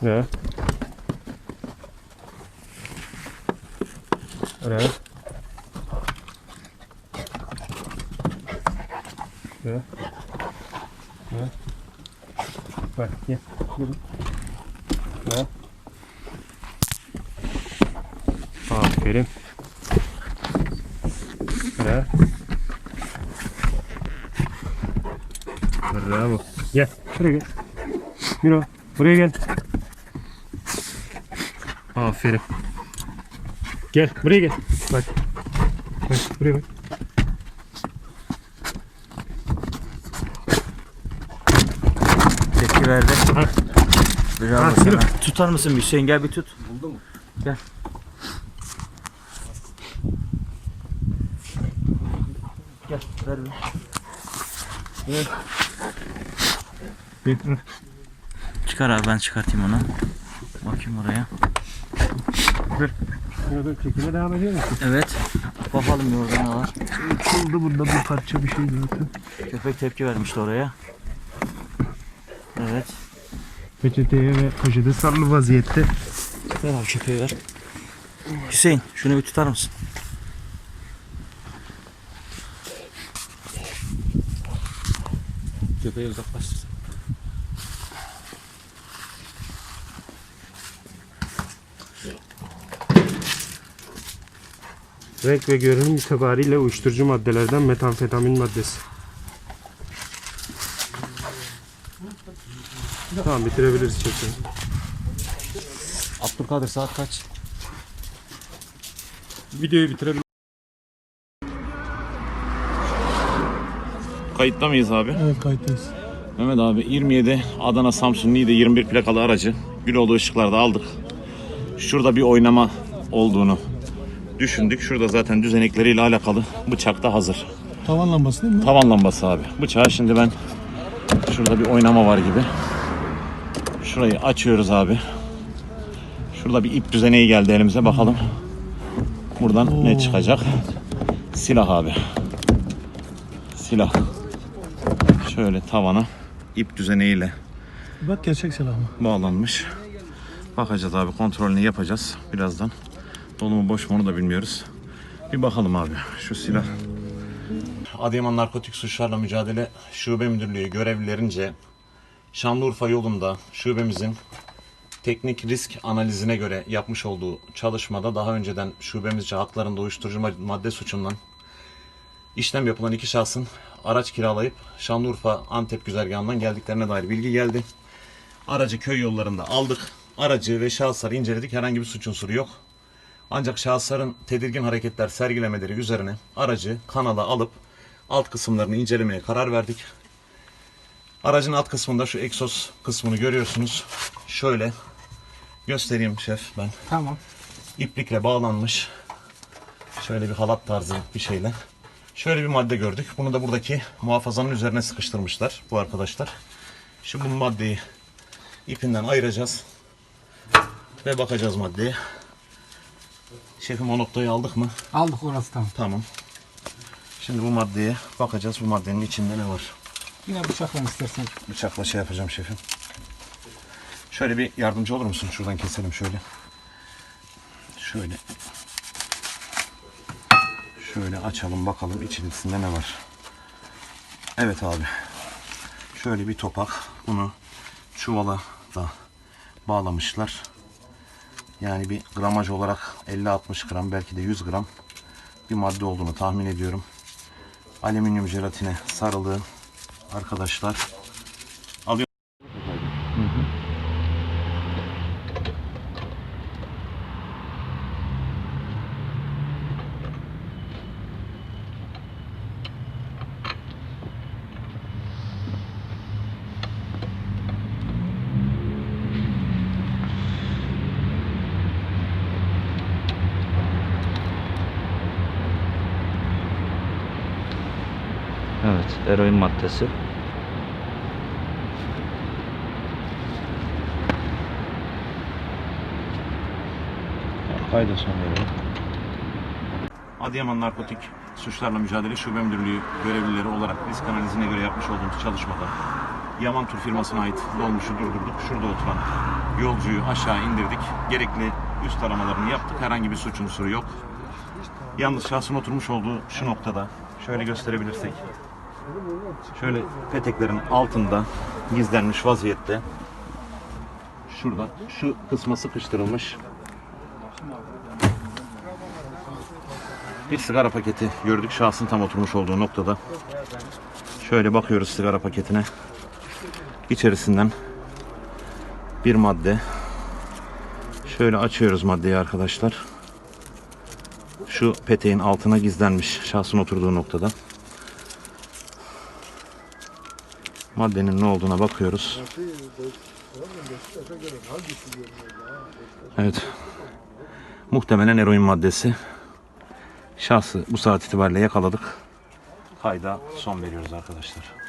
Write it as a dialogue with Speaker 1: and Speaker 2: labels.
Speaker 1: Ja. Ja. Ja. Ja. Bak gel. Ya. Aferin. Ya. Bravo. Gel. Buraya gel. Miro. Buraya gel. Aferin. Gel. Buraya gel. Bak. Bak. Buraya bak.
Speaker 2: Tepki verdi.
Speaker 1: Ha.
Speaker 2: Bravo
Speaker 1: Ha,
Speaker 2: sana. Tutar mısın bir Hüseyin? Gel bir tut.
Speaker 3: Buldu mu?
Speaker 2: Gel. Gel. Ver bir. Ver.
Speaker 1: Bir.
Speaker 2: Çıkar abi, ben çıkartayım onu. Bakayım oraya.
Speaker 1: Dur. Dur. Çekime devam ediyor musun?
Speaker 2: Evet. Bakalım bir orada ne var.
Speaker 1: Kıldı burada bir parça bir şey zaten.
Speaker 2: Köpek tepki vermişti oraya. Evet.
Speaker 1: Peçeteye ve poşete sarılı vaziyette.
Speaker 2: Ver abi, köpeği ver. Hüseyin şunu bir tutar mısın? Köpeği uzaklaştır.
Speaker 1: Renk ve görünüm itibariyle uyuşturucu maddelerden metamfetamin maddesi. Tamam, bitirebiliriz çekimi.
Speaker 2: Abdülkadir saat kaç?
Speaker 1: Videoyu bitirebiliriz.
Speaker 4: Kayıtta mıyız abi?
Speaker 5: Evet, kayıttayız.
Speaker 4: Mehmet abi 27 Adana Samsun Niğde 21 plakalı aracı Güloğlu ışıklarda aldık. Şurada bir oynama olduğunu düşündük. Şurada zaten düzenekleriyle alakalı bıçak da hazır.
Speaker 5: Tavan lambası değil mi?
Speaker 4: Tavan lambası abi. Bıçağı şimdi ben şurada bir oynama var gibi. Şurayı açıyoruz abi. Şurada bir ip düzeneği geldi elimize, bakalım. Buradan ne çıkacak? Silah abi. Silah. Şöyle tavana ip düzeneğiyle
Speaker 5: Bak, gerçek silah mı?
Speaker 4: bağlanmış. Bakacağız abi, kontrolünü yapacağız birazdan. Dolu mu boş mu onu da bilmiyoruz. Bir bakalım abi şu silah. Adıyaman Narkotik Suçlarla Mücadele Şube Müdürlüğü görevlilerince Şanlıurfa yolunda şubemizin teknik risk analizine göre yapmış olduğu çalışmada daha önceden şubemizce haklarında uyuşturucu madde suçundan işlem yapılan iki şahsın araç kiralayıp Şanlıurfa Antep güzergahından geldiklerine dair bilgi geldi. Aracı köy yollarında aldık. Aracı ve şahısları inceledik. Herhangi bir suç unsuru yok. Ancak şahısların tedirgin hareketler sergilemeleri üzerine aracı kanala alıp alt kısımlarını incelemeye karar verdik. Aracın alt kısmında şu egzoz kısmını görüyorsunuz. Şöyle göstereyim şef ben.
Speaker 5: Tamam.
Speaker 4: İplikle bağlanmış. Şöyle bir halat tarzı bir şeyle. Şöyle bir madde gördük. Bunu da buradaki muhafazanın üzerine sıkıştırmışlar bu arkadaşlar. Şimdi bu maddeyi ipinden ayıracağız. Ve bakacağız maddeye. Şefim, o noktayı aldık mı?
Speaker 5: Aldık, orası tamam.
Speaker 4: Tamam. Şimdi bu maddeye bakacağız. Bu maddenin içinde ne var?
Speaker 5: Yine bıçakla istersen.
Speaker 4: Bıçakla şey yapacağım şefim. Şöyle bir yardımcı olur musun? Şuradan keselim şöyle. Şöyle. Şöyle açalım bakalım içerisinde ne var. Evet abi. Şöyle bir topak. Bunu çuvala da bağlamışlar. Yani bir gramaj olarak 50-60 gram, belki de 100 gram bir madde olduğunu tahmin ediyorum. Alüminyum jelatine sarılı arkadaşlar. Alıyor.
Speaker 2: Evet, eroin maddesi.
Speaker 4: Kayda son verelim. Adıyaman Narkotik Suçlarla Mücadele Şube Müdürlüğü görevlileri olarak risk analizine göre yapmış olduğumuz çalışmada Yaman Tur firmasına ait dolmuşu durdurduk. Şurada oturan yolcuyu aşağı indirdik. Gerekli üst aramalarını yaptık. Herhangi bir suç unsuru yok. Yalnız şahsın oturmuş olduğu şu noktada şöyle gösterebilirsek, şöyle peteklerin altında gizlenmiş vaziyette, şurada şu kısma sıkıştırılmış bir sigara paketi gördük şahsın tam oturmuş olduğu noktada. Şöyle bakıyoruz sigara paketine. İçerisinden bir madde. Şöyle açıyoruz maddeyi arkadaşlar. Şu peteğin altına gizlenmiş şahsın oturduğu noktada. Maddenin ne olduğuna bakıyoruz. Evet. Muhtemelen eroin maddesi. Şahsı bu saat itibariyle yakaladık. Kayda son veriyoruz arkadaşlar.